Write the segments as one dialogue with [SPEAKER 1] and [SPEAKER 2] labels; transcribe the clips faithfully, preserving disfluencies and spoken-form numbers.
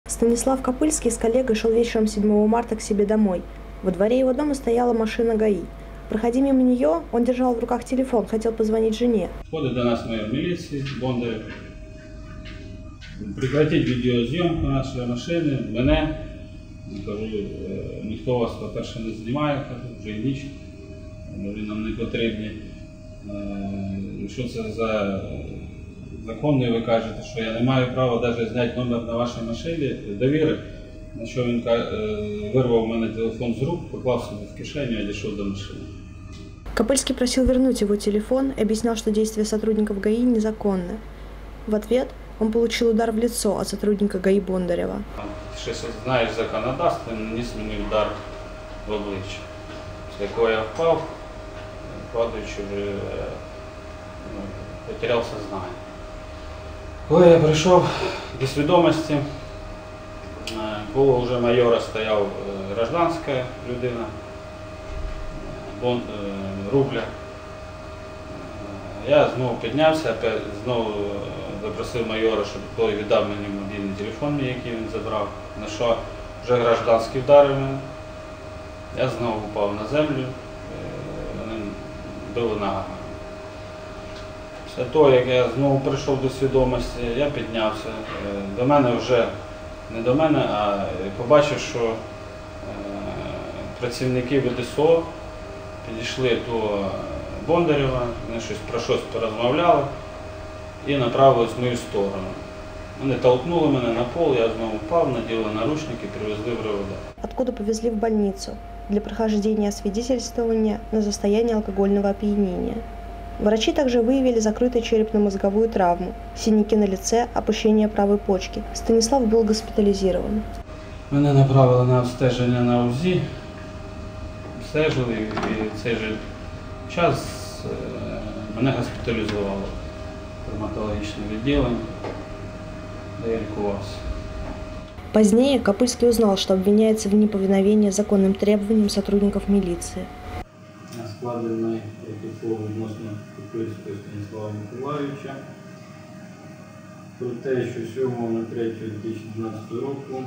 [SPEAKER 1] Станислав Копыльский с коллегой шел вечером седьмого марта к себе домой. Во дворе его дома стояла машина ГАИ. Проходя мимо нее, он держал в руках телефон, хотел позвонить жене.
[SPEAKER 2] Входит до нас майор милиции Бондарев. Прекратить відеозйомку нашої машини, мене. Кажу, ніхто вас, по-перше, не знімає, кажу, вже і ніч, ви нам не потрібні. Що це за законно, ви кажете, що я не маю права навіть зняти номер на вашій машині, довіри. На що він вирвав у мене телефон з рук, поклав собі в кишеню і дійшов до машини.
[SPEAKER 1] Копыльский просил вернуть его телефон и объяснял, что действия сотрудников ГАИ незаконны. В ответ он получил удар в лицо от сотрудника ГАИ Бондарева.
[SPEAKER 2] Ти щось знаєш законодавство, наніс мені удар в обличчя, з якого я впав, падаючи вже ну, потеряв сознання. Коли я прийшов до свідомості, коло вже майора стояв гражданська людина, Бон, Рубля. Я знову піднявся, знову запросив майора, щоб той віддав мені мобільний телефон, який він забрав, на що вже гражданський вдарив мене. Я знову впав на землю, вони били ногами. Після того, як я знову прийшов до свідомості, я піднявся. До мене вже, не до мене, а побачив, що працівники ВДСО підійшли до Бондарєва, вони щось про щось порозмовляли і направились в мою сторону. Вони толкнули мене на пол, я знову впав, наділи наручники, привезли в РОВД.
[SPEAKER 1] Откуда повезли в больницу для прохождения освидетельствования на состояние алкогольного опьянения. Врачи также выявили закрытую черепно-мозговую травму, синяки на лице, опущение правой почки. Станислав был госпитализирован.
[SPEAKER 2] Мене направили на обстеження на УЗІ, обстежили і цей же час мене госпіталізували в травматологічне відділення, де я лікувався.
[SPEAKER 1] Позднее Копыльский узнал, что обвиняется в неповиновении законным требованиям сотрудников милиции.
[SPEAKER 2] Складений протокол відносно Копыльського Станіслава Миколайовича про те, що сьомого третього дві тисячі дванадцятого року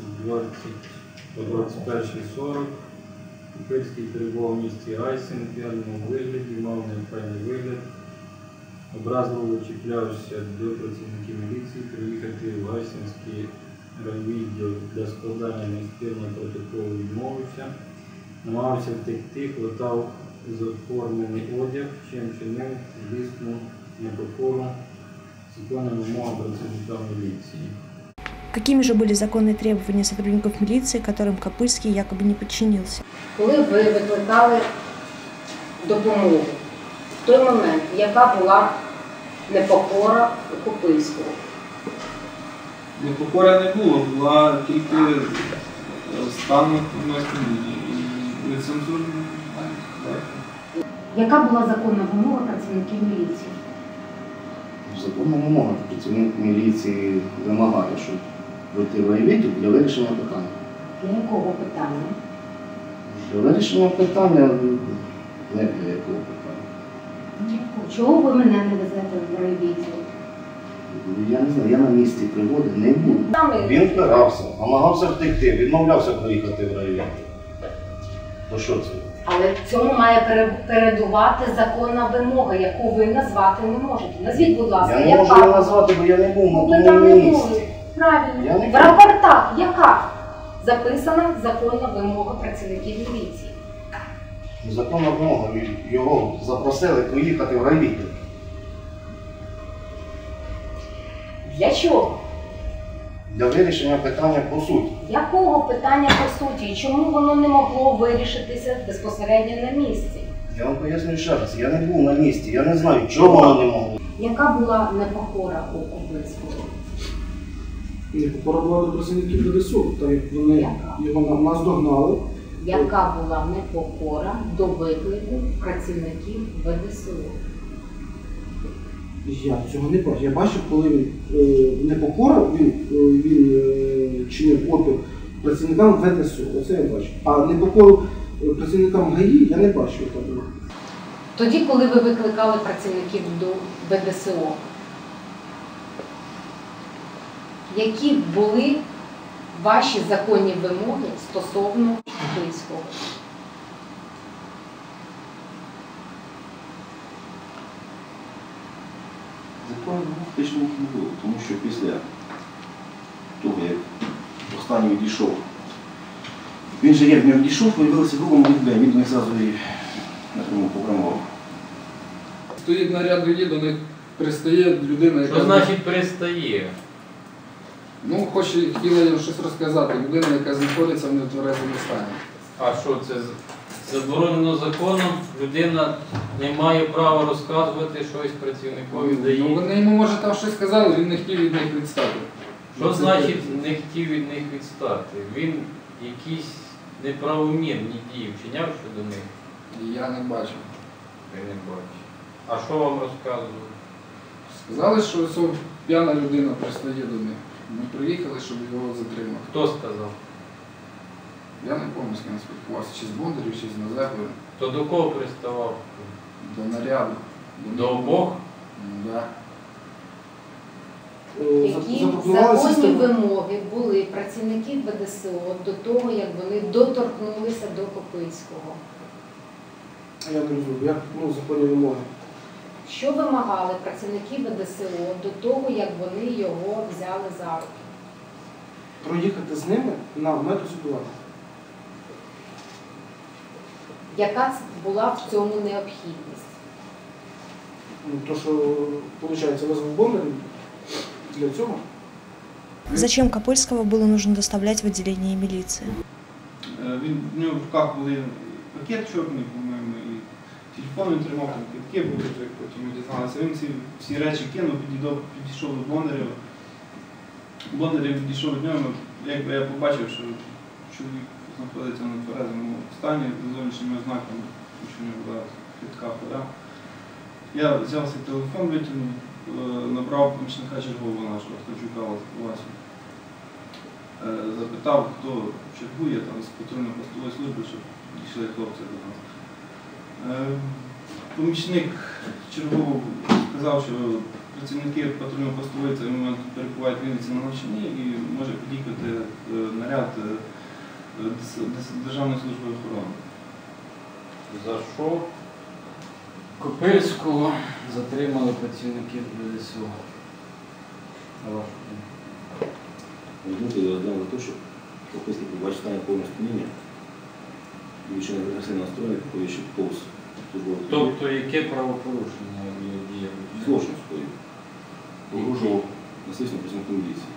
[SPEAKER 2] о двадцять першій сорок Копыльський перебував в місті Гайсин в п'яному вигляді, мав неохайний вигляд, образливо чіплявся до працівників міліції приїхати в Гайсинський райвідділ для складання адміністративного протоколу відмовився, намагався втекти, хватав заформлений одяг, чим чинив злісну непокору законним вимогам працівників міліції.
[SPEAKER 1] Какими же были законные требования сотрудников милиции, которым Копыльский якобы не подчинился?
[SPEAKER 3] Коли ви викликали допомогу, в той момент, яка була непокора у Копыльського?
[SPEAKER 4] Непокора не було, була тільки стан і нецензурний.
[SPEAKER 3] Яка була законна вимога працівників міліції?
[SPEAKER 5] Законна вимога працівник міліції вимагає, щоб вийти в райвідділ для вирішення питання.
[SPEAKER 3] Для якого питання?
[SPEAKER 5] Для вирішення питання, не для якого питання.
[SPEAKER 3] Чого ви мене не везете в райвідділ?
[SPEAKER 5] Я не знаю, я на місці пригоди не був. Він впирався, намагався втекти, відмовлявся проїхати в райвідділ. То що це?
[SPEAKER 3] Але цьому має передувати законна вимога, яку ви назвати не можете. Назвіть, будь ласка,
[SPEAKER 5] я не
[SPEAKER 3] яка?
[SPEAKER 5] можу її назвати, бо я не був на
[SPEAKER 3] Ви
[SPEAKER 5] тому
[SPEAKER 3] там не
[SPEAKER 5] місці.
[SPEAKER 3] були. Правильно.
[SPEAKER 5] В
[SPEAKER 3] рапортах яка записана законна вимога працівників міліції?
[SPEAKER 5] Законна вимога. Його запросили поїхати в райвідділ.
[SPEAKER 3] Для чого?
[SPEAKER 5] Для вирішення питання по суті.
[SPEAKER 3] Якого питання по суті? І чому воно не могло вирішитися безпосередньо на місці?
[SPEAKER 5] Я вам поясню ще раз, я не був на місці, я не знаю, чого воно не могло.
[SPEAKER 3] Яка була непокора у Копыльського?
[SPEAKER 4] Непокора була до працівників ВДСО, так як вони його наздогнали.
[SPEAKER 3] Яка була непокора до виклику працівників ВДСО?
[SPEAKER 4] Я цього не бачив. Я бачив, коли він е, непокора, він, е, він е, чинив опір працівникам ВДСО. Оце я бачив. А непокору працівникам ГАІ я не бачив.
[SPEAKER 3] Тоді, коли ви викликали працівників до ВДСО, які були ваші законні вимоги стосовно Копильського?
[SPEAKER 6] Законів фактично їх не було, тому що після того, як останній відійшов, він же як не відійшов, з'явилася група молодих людей, він до них зразу і напряму програмував.
[SPEAKER 7] Стоїть наряд людей, до них пристає людина, яка...
[SPEAKER 8] Що значить пристає?
[SPEAKER 7] Ну, хоче, хотіла їм щось розказати. Людина, яка знаходиться в нетверезому стані.
[SPEAKER 8] А що це заборонено законом? Людина не має права розказувати щось працівникові
[SPEAKER 7] Ну,
[SPEAKER 8] ДАІ.
[SPEAKER 7] вони йому, може, там щось сказали, він не хотів від них відстати.
[SPEAKER 8] Що значить не хотів від них відстати? Він якісь неправомірні дії вчиняв щодо них?
[SPEAKER 7] Я не бачив.
[SPEAKER 8] Я не бачу. А що вам розказували?
[SPEAKER 7] Сказали, що ось п'яна людина пристає до них. Ми приїхали, щоб його затримати.
[SPEAKER 8] Хто сказав?
[SPEAKER 7] Я не пам'ятаю, з ким спілкувався, чи з Бондарів, чи з Назепою.
[SPEAKER 8] То до кого приставав?
[SPEAKER 7] До наряду.
[SPEAKER 8] До обох?
[SPEAKER 7] Да.
[SPEAKER 4] Е,
[SPEAKER 3] Які
[SPEAKER 4] запропонували
[SPEAKER 3] законні
[SPEAKER 4] систему.
[SPEAKER 3] вимоги були працівників Б Д С О до того, як вони доторкнулися до Копильського?
[SPEAKER 4] Я не розумію, як ну, законні вимоги.
[SPEAKER 3] Що вимагали працівники Б Д С О до того, як вони його взяли за руки?
[SPEAKER 4] Проїхати з ними на медосвідування.
[SPEAKER 3] Яка ц- була в цьому необхідність?
[SPEAKER 4] Ну, то, що, виходить, визвав Бондарів для цього.
[SPEAKER 1] Зачем Копыльского было нужно доставлять в отделение милиции?
[SPEAKER 9] Він, в нього в руках були пакет чорний, по-моєму, і телефон він тримав, там квитки були, вже потім ми дізналися. Він ці всі речі кинув, підійшов, підійшов до Бондарєва. Бондарєв підійшов до нього, якби я побачив, що чоловік знаходиться на тверезому стані з зовнішніми ознаками, тому що в нього була хитка хода. Я взяв свій телефон, витягнув, набрав помічника чергового нашого, Ткачука Васю. Запитав, хто чергує там з патрульно-постової служби, щоб дійшли хлопці до нас. Помічник чергового сказав, що працівники патрульно-постової цей момент перебувають в Вінниці на навчанні і може під'їхати наряд Державної служби охорони.
[SPEAKER 8] За що Копильського затримали працівників Б Д С О? На вашу думку?
[SPEAKER 6] Думки розглянув за те, що Копильський побачив стане повне сп'яніння, і ще не агресивно настроєний, походячи повз службових.
[SPEAKER 8] Тобто яке правопорушення його діє?
[SPEAKER 6] Злочин скоїв. Погрожував насильством працівнику міліції.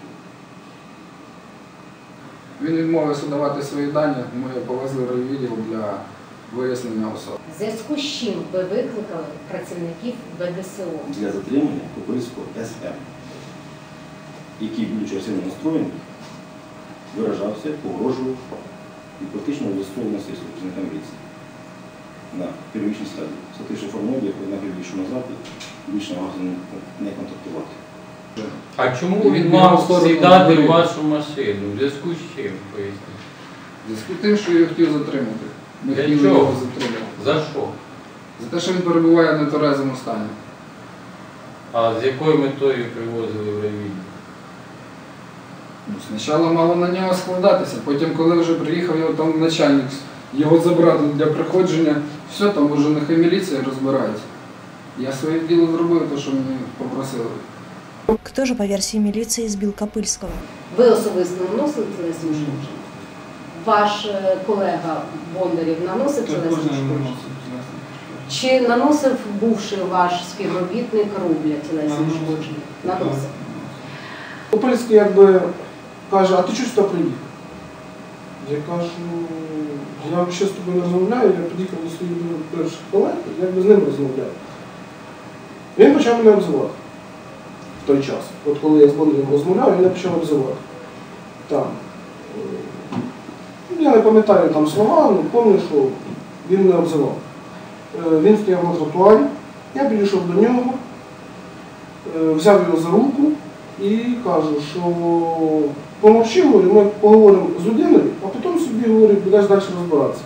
[SPEAKER 7] Він відмовився давати свої дані, ми його повезли в райвідділ для вияснення особи.
[SPEAKER 3] В зв'язку з чим ви викликали працівників Б Д С О?
[SPEAKER 6] Для затримання Копильського С М, який, будучи агресивно настроєний, виражався, погрожував і практично застосовував насильство працівника міліції на первічній стадії. Схвативши формулу, як однак відійшов назад, і більше намагався не контактувати.
[SPEAKER 8] А чому
[SPEAKER 7] Він
[SPEAKER 8] він
[SPEAKER 7] його
[SPEAKER 8] мав
[SPEAKER 7] сторону
[SPEAKER 8] сідати в
[SPEAKER 7] говорив.
[SPEAKER 8] вашу машину? В зв'язку з чим, поясніть?
[SPEAKER 7] В зв'язку з тим, що його хотів затримати. Ми
[SPEAKER 8] Для
[SPEAKER 7] хотіли
[SPEAKER 8] чого?
[SPEAKER 7] його затримати.
[SPEAKER 8] За що?
[SPEAKER 7] За те, що він перебуває в нетверезому стані.
[SPEAKER 8] А з якою метою привозили в райвідділ?
[SPEAKER 7] Ну, спочатку мало на нього складатися, потім, коли вже приїхав його там начальник, його забрати для приходження, все, там вже нехай міліція розбирається. Я своє діло зробив, те, що мені попросили.
[SPEAKER 1] Кто же, по версии милиции, избил Копыльского?
[SPEAKER 3] Ви особисто наносили тілесні ушкодження? Ваш е, колега Бондарєв наносив тілесні
[SPEAKER 9] Також не
[SPEAKER 3] ушкодження?
[SPEAKER 9] наносив тілесних.
[SPEAKER 3] Чи наносив бувший ваш співробітник Рубля тілесні
[SPEAKER 9] Наносив.
[SPEAKER 3] ушкодження? Наносив.
[SPEAKER 4] Копильський якби каже, а ти чого сюди приїхав? Я кажу, я ще з тобою не розмовляю, я під'їхав до своїх перших колег, я якби з ним розмовляю. Він почав мене обзивати в той час. От коли я з Бондарем розмовляв, він мене почав обзивати. Там. е, Я не пам'ятаю там слова, але пам'ятаю, що він мене обзивав. Е, Він стояв на тротуарі, я підійшов до нього, е, взяв його за руку і кажу, що помовчи, говорю, ми поговоримо з людиною, а потім собі, говорю, будеш далі розбиратися.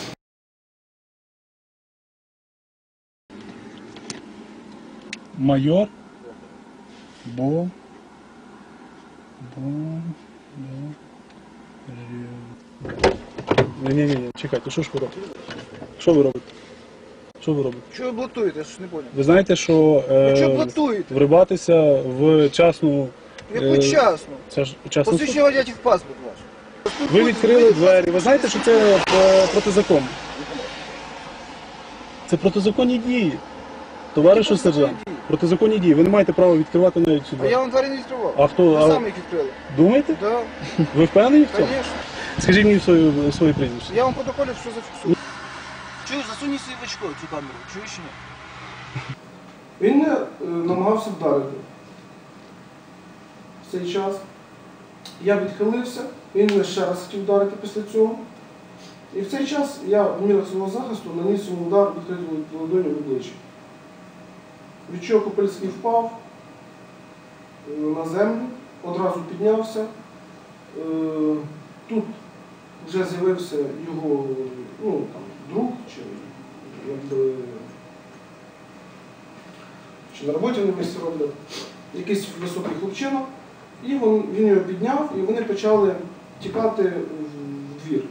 [SPEAKER 10] Майор Бо Бо Бо Ні-ні-ні, чекайте, що ж ви робите? Що ви робите? Що ви робите?
[SPEAKER 11] Чого ви блатуєте, я ж не поняв.
[SPEAKER 10] Ви знаєте, що
[SPEAKER 11] Ви чого
[SPEAKER 10] е,
[SPEAKER 11] блатуєте?
[SPEAKER 10] врибатися в частну...
[SPEAKER 11] Яку
[SPEAKER 10] е,
[SPEAKER 11] часну?
[SPEAKER 10] Це ж частну...
[SPEAKER 11] Посвідчення водія в паспорт ваш.
[SPEAKER 10] Ви відкрили двері. Ви знаєте, що це е, протизаконно? Це протизаконні дії. Товаришу сержант, протизаконні дії. Ви не маєте права відкривати навіть
[SPEAKER 11] А
[SPEAKER 10] сюди.
[SPEAKER 11] я вам двері не відкривав.
[SPEAKER 10] А хто?
[SPEAKER 11] Ви
[SPEAKER 10] А...
[SPEAKER 11] самі їх відкрили.
[SPEAKER 10] Думаєте?
[SPEAKER 11] Да.
[SPEAKER 10] Ви впевнені в цьому?
[SPEAKER 11] Звісно.
[SPEAKER 10] Скажіть мені своє, своє прізвище.
[SPEAKER 11] Я вам в протоколі все зафіксую. Чуєш, засунь свій в очко цю камеру. Чуєш чи ні?
[SPEAKER 4] Він мене е, намагався вдарити. В цей час я відхилився, він мене ще раз хотів вдарити після цього. І в цей час я в мірах свого захисту наніс йому удар відкритою ладонью в обличчя. Від чого Копильський впав е, на землю, одразу піднявся. Е, Тут вже з'явився його ну, там, друг, чи, якби, чи на роботі на місці роблять, якийсь високий хлопчина, і він, він його підняв, і вони почали тікати в двір.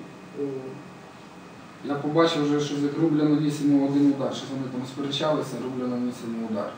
[SPEAKER 7] Я побачив вже, що Рубля наніс йому один удар, що вони там сперечалися, Рубля наніс йому удар.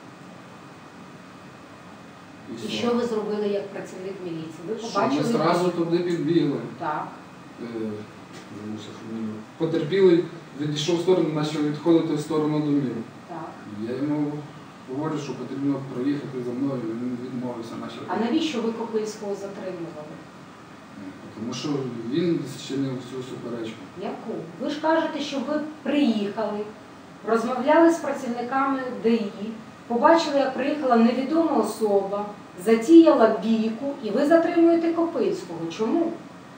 [SPEAKER 3] І що ви зробили як працівник міліції? Ви
[SPEAKER 7] Що
[SPEAKER 3] побачили?
[SPEAKER 7] ми одразу туди підбігли.
[SPEAKER 3] Так.
[SPEAKER 7] Е, забувся фамілію. Потерпілий відійшов в сторону, почав відходити в сторону домів.
[SPEAKER 3] Так.
[SPEAKER 7] Я йому говорю, що потрібно проїхати за мною, він відмовився. Почав.
[SPEAKER 3] А навіщо ви Копильського затримували?
[SPEAKER 7] Тому що він зчинив всю суперечку.
[SPEAKER 3] Яку? Ви ж кажете, що ви приїхали, розмовляли з працівниками ДАІ, побачили, як приїхала невідома особа, затіяла бійку, і ви затримуєте Копильського. Чому?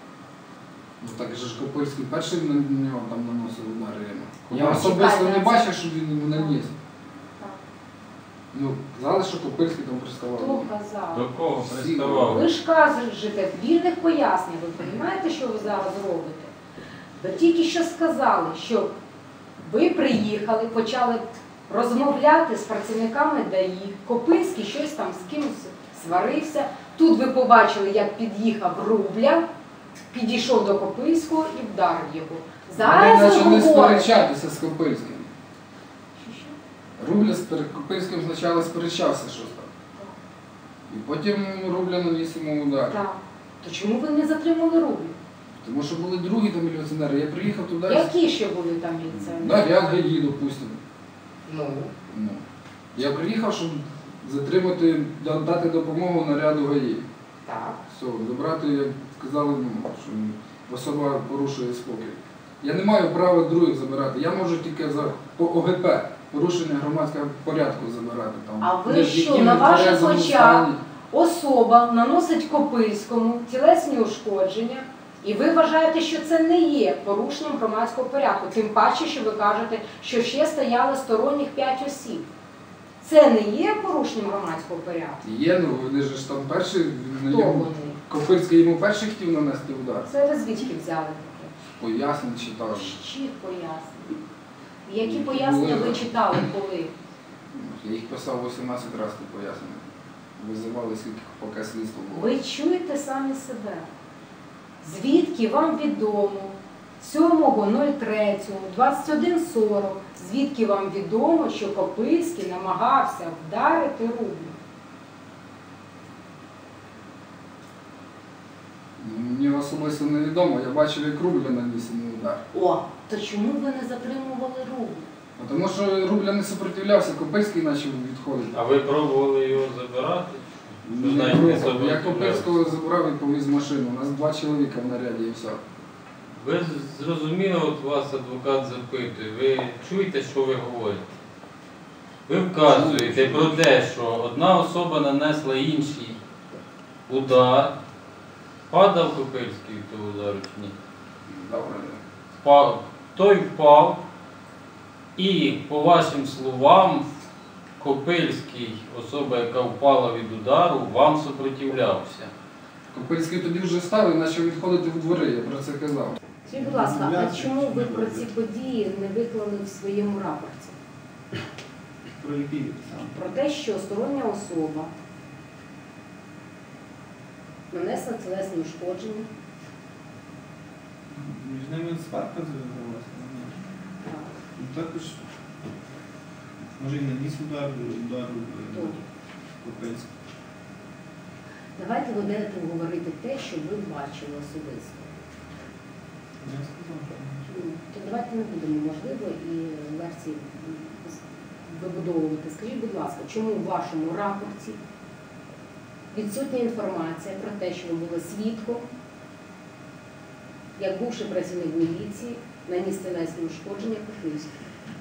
[SPEAKER 7] Ну так же ж Копильський перший на нього там наносив удари. Я
[SPEAKER 3] Ну,
[SPEAKER 7] особисто
[SPEAKER 3] чекайте,
[SPEAKER 7] не
[SPEAKER 3] це-
[SPEAKER 7] бачив, що він йому наніс.
[SPEAKER 3] Так.
[SPEAKER 7] Ну, казали, що Копильський там приставав.
[SPEAKER 3] Хто казав?
[SPEAKER 8] До кого
[SPEAKER 7] Всі.
[SPEAKER 8] приставав?
[SPEAKER 3] Ви ж кажете, вільних пояснень, ви розумієте, що ви зараз робите? Ви тільки що сказали, що ви приїхали, почали розмовляти з працівниками ДАІ, Копильський щось там з кимось сварився. Тут ви побачили, як під'їхав Рубля, підійшов до Копильського і вдарив його. Зараз
[SPEAKER 7] Вони
[SPEAKER 3] ви
[SPEAKER 7] почали
[SPEAKER 3] говорите.
[SPEAKER 7] сперечатися з Копильським.
[SPEAKER 3] Що, що?
[SPEAKER 7] Рубля з Пер- Копильським спочатку сперечався щось там. І потім Рубля наніс йому удар.
[SPEAKER 3] Так. То чому ви не затримали Рублю?
[SPEAKER 7] Тому що були другі там міліціонери. Я приїхав туди.
[SPEAKER 3] Які ще були там міліціонери?
[SPEAKER 7] Наряд ГАІ, допустимо.
[SPEAKER 3] Ну.
[SPEAKER 7] Ну. Я приїхав, щоб затримати, да- дати допомогу наряду ГАІ.
[SPEAKER 3] Так.
[SPEAKER 7] Все, забрати, як сказали, ну, що особа порушує спокій. Я не маю права других забирати. Я можу тільки за по ОГП, порушення громадського порядку забирати. Там,
[SPEAKER 3] А ви
[SPEAKER 7] не в
[SPEAKER 3] що,
[SPEAKER 7] якому
[SPEAKER 3] на ваших
[SPEAKER 7] тверезому
[SPEAKER 3] очах
[SPEAKER 7] стані.
[SPEAKER 3] особа наносить Копильському тілесні ушкодження, і ви вважаєте, що це не є порушенням громадського порядку, тим паче, що ви кажете, що ще стояли сторонніх п'ять осіб. Це не є порушенням громадського порядку?
[SPEAKER 7] Є, ну вони ж там перші,
[SPEAKER 3] Хто
[SPEAKER 7] йому,
[SPEAKER 3] вони?
[SPEAKER 7] Копильський йому перший хотів нанести удар.
[SPEAKER 3] Це ви звідки взяли таке?
[SPEAKER 7] Пояснень читав.
[SPEAKER 3] Чиїх пояснень? Які пояснення ви читали коли?
[SPEAKER 7] Я їх писав вісімнадцять разів пояснення. Визивали, скільки поки слідство було.
[SPEAKER 3] Ви чуєте самі себе. Звідки вам відомо сьомого третього двадцять один сорок, звідки вам відомо, що Копильський намагався вдарити Рублю?
[SPEAKER 7] Мені особисто невідомо, я бачив, як Рубля наніс йому удар.
[SPEAKER 3] О, то чому ви не затримували Рублю?
[SPEAKER 7] Тому що Рубля не супротивлявся, Копильський почав відходити.
[SPEAKER 8] А ви пробували його забирати?
[SPEAKER 7] Не
[SPEAKER 8] Що навіть не
[SPEAKER 7] пробував. Я
[SPEAKER 8] сопротивлявся?
[SPEAKER 7] Копильського забрав і повіз машину. У нас два чоловіка в наряді і все.
[SPEAKER 8] Ви зрозуміли, от вас адвокат запитує, ви чуєте, що ви говорите? Ви вказуєте про те, що одна особа нанесла інший удар. Падав Копильський від того удару чи ні?
[SPEAKER 7] Добре.
[SPEAKER 8] Впав. Той впав і, по вашим словам, Копильський, особа, яка впала від удару, вам супротивлявся.
[SPEAKER 7] Копильський тоді вже став і почав відходити в двори, я про це казав.
[SPEAKER 3] Скажіть, будь ласка, а чому ви про ці події не виклали в своєму рапорті?
[SPEAKER 9] Про які?
[SPEAKER 3] Про те, що стороння особа нанесла тілесні ушкодження,
[SPEAKER 9] Між ними сварка зв'язалася. Ну, також, може і наніс удар, удар Копильського.
[SPEAKER 3] Давайте ви будете говорити те, що ви бачили особисто.
[SPEAKER 9] Я сказав, що
[SPEAKER 3] То давайте не будемо, можливо, і версії вибудовувати. Скажіть, будь ласка, чому в вашому рапорті відсутня інформація про те, що ви були свідком, як бувший працівник міліції, наніс тілесні ушкодження Копильському?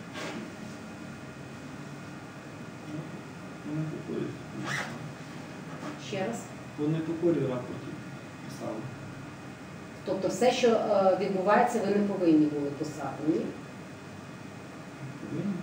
[SPEAKER 9] вони покорі.
[SPEAKER 3] Ще раз.
[SPEAKER 9] Вони покорі в рапорті писали.
[SPEAKER 3] Тобто все, що е, відбувається, ви не повинні були писати, ні?
[SPEAKER 9] Повинні.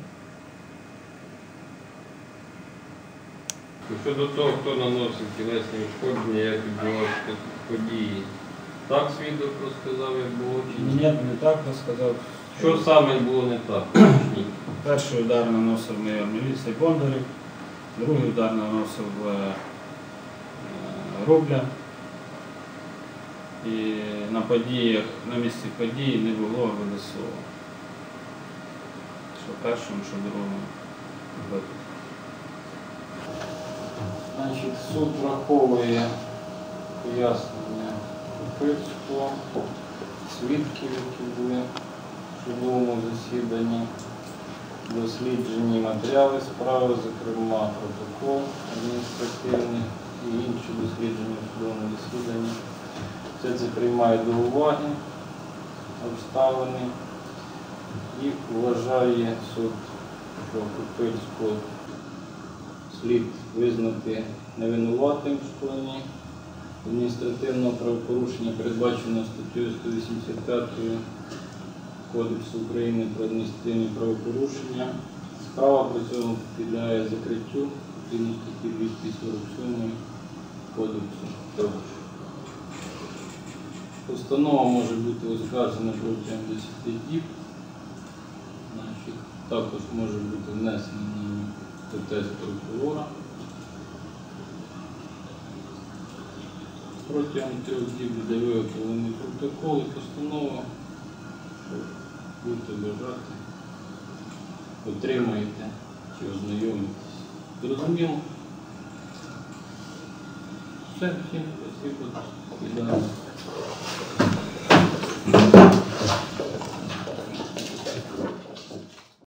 [SPEAKER 8] Щодо того, хто наносив тілесні ушкодження, як відбувалися події, так свідок розказав, як було чи ні?
[SPEAKER 2] Ні, не так розказав.
[SPEAKER 8] Що саме було не так?
[SPEAKER 2] Перший удар наносив майор міліції Бондарів, другий удар наносив е, Рубля. І на подіях, на місці події не було ВДСО. Що першим, що другим випадку.
[SPEAKER 8] Значить, суд враховує пояснення Копильського, свідків, які були в судовому засіданні, досліджені матеріали справи, зокрема протокол адміністративний і інші дослідження в судовому засіданні. Все це приймає до уваги обставини і вважає суд, що Копильського слід визнати невинуватим в скоєнні адміністративного правопорушення, передбаченого статтею сто вісімдесят п'ять Кодексу України про адміністративні правопорушення. Справа при цьому підлягає закриттю згідно статті двісті сорок сім Кодексу також. Постанова може бути оскаржена протягом десяти діб. Значить, також може бути внесений протест прокурора. Протягом трьох діб буде виготовлений протокол і постанова. Будете бажати, отримаєте чи ознайомитесь. Зрозуміло? Все, всім спасибо.